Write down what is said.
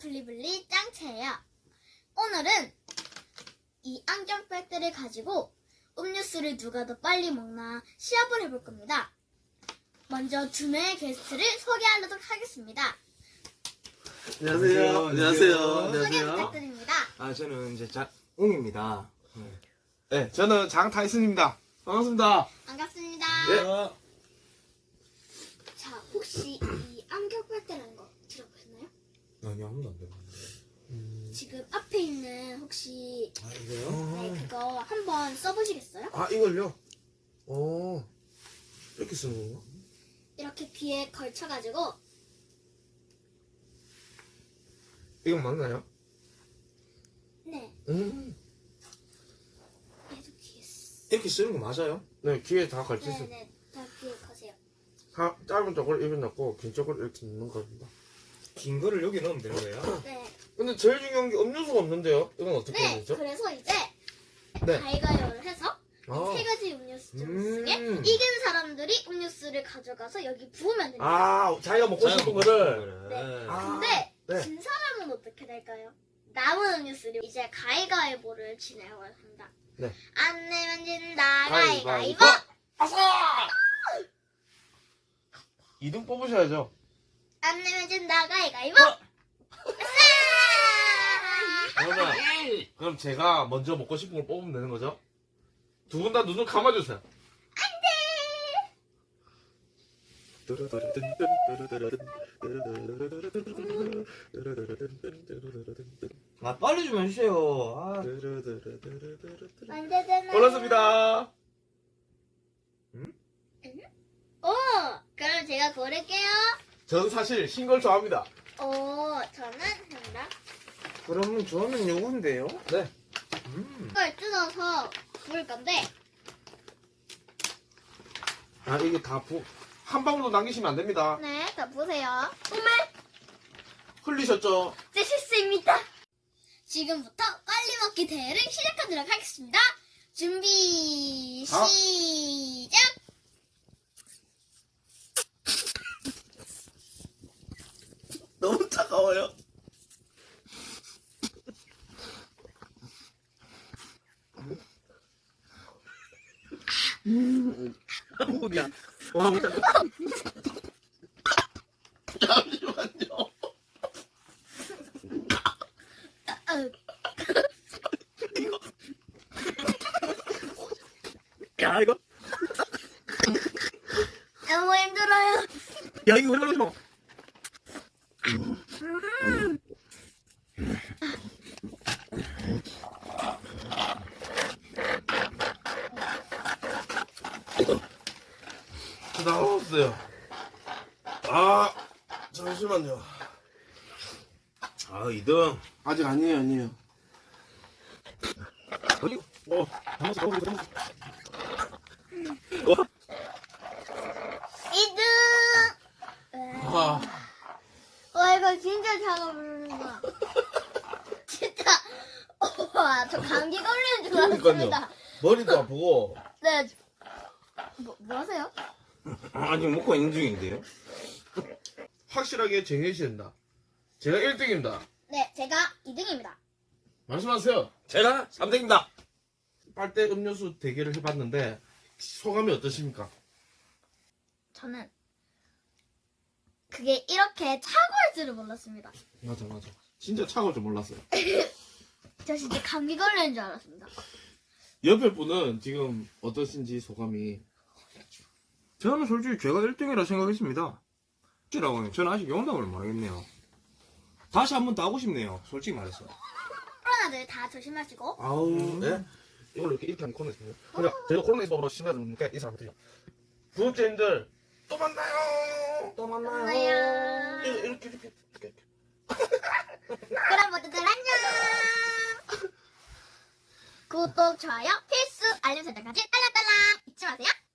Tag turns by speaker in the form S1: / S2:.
S1: 블리블리 짱채예요. 오늘은 이 안경 팩트를 가지고 음료수를 누가 더 빨리 먹나 시합을 해볼 겁니다. 먼저 두 명의 게스트를 소개하도록 하겠습니다.
S2: 안녕하세요. 안녕하세요.
S1: 소개
S2: 안녕하세요.
S1: 부탁드립니다.
S3: 저는 이제 장웅입니다.
S2: 네, 저는 장타이슨입니다. 반갑습니다.
S1: 반갑습니다.
S2: 예.
S1: 자, 혹시 이 안경 팩트라는 거 들어보셨나요?
S3: 아니, 아무도 안 들었는데.
S1: 지금 앞에 있는 혹시
S3: 이거요?
S1: 네, 그거 한번 써보시겠어요?
S3: 이걸요? 이렇게 쓰는 건가?
S1: 이렇게 귀에 걸쳐가지고
S3: 이건 맞나요?
S1: 네, 얘도 귀에
S3: 이렇게 쓰는 거 맞아요? 네, 귀에 다 걸쳐 있어요.
S1: 네네, 다 귀에 거세요.
S3: 짧은 쪽을 입에 넣고 긴 쪽을 이렇게 넣는 겁니다. 긴 거를 여기 넣으면 되는 거예요?
S1: 네,
S3: 근데 제일 중요한 게 음료수가 없는데요? 이건 어떻게 해야
S1: 네,
S3: 되죠?
S1: 그래서 이제
S3: 네.
S1: 가위가위를 해서
S3: 아.
S1: 세 가지 음료수 중에
S3: 음.
S1: 이긴 사람들이 음료수를 가져가서 여기 부으면 됩니다.
S3: 자기가 먹고 싶은 거를.
S1: 네.
S3: 아.
S1: 근데
S3: 네.
S1: 진 사람은 어떻게 될까요? 남은 음료수를 이제 가위가위보를 진행을 합니다.
S3: 네.
S1: 안 내면 진다
S3: 가위바위보.
S1: 가위가위보.
S3: 아싸! 2등 뽑으셔야죠.
S1: 안 내면 진다 가위가위보.
S2: 그럼 제가 먼저 먹고 싶은 걸 뽑으면 되는 거죠? 두 분 다 눈을 감아주세요.
S3: 빨리 좀 해주세요.
S1: 언제 되나요?
S2: 골랐습니다.
S1: 오, 그럼 제가 고를게요.
S2: 저는 사실 신 걸 좋아합니다.
S1: 오, 저는 한다.
S3: 그러면 저는 요건데요?
S2: 네.
S1: 이걸 뜯어서 부을 건데
S2: 이게 한 방울도 남기시면 안 됩니다.
S1: 네, 다 보세요.
S2: 흘리셨죠?
S1: 제 실수입니다. 지금부터 빨리 먹기 대회를 시작하도록 하겠습니다. 준비 시작.
S2: 너무 차가워요. 뭐야? 잠시만요. 야 이거
S1: 너무 힘들어요.
S2: 야 이거 왜 그러지 마. 나왔어요. 잠시만요.
S3: 2등.
S2: 아직 아니에요.
S3: 어디? 담았어.
S1: 2등.
S2: 아,
S1: 와, 이거 진짜 차가 부르는구나. 진짜. 와, 저 감기 걸리는 줄 알았습니다.
S2: 머리도 아프고.
S1: 네. 뭐 하세요?
S3: 아직 먹고 있는 중인데요?
S2: 확실하게 정해주셔야 된다. 제가 1등입니다.
S1: 네, 제가 2등입니다.
S2: 말씀하세요.
S3: 제가 3등입니다.
S2: 빨대 음료수 대결을 해봤는데 소감이 어떠십니까?
S1: 저는 그게 이렇게 차가울 줄을 몰랐습니다.
S2: 맞아. 진짜 차가울 줄 몰랐어요.
S1: 저 진짜 감기 걸리는 줄 알았습니다.
S2: 옆에 분은 지금 어떠신지 소감이?
S3: 저는 솔직히 제가 1등이라 생각했습니다. 저는 아직 영담을 모르겠네요. 다시 한 번 더 하고 싶네요. 솔직히 말해서.
S1: 코로나들 다 조심하시고.
S2: 네? 이걸로 이렇게 하는 코로나 있습니다. 그러니까 저희가 코로나 있어서 심해지니까 이 사람들이 구독자님들 또 만나요.
S1: 만나요.
S2: 이렇게.
S1: 그럼 모두들 안녕. 구독, 좋아요, 필수, 알림 설정까지 딸랑딸랑 잊지 마세요.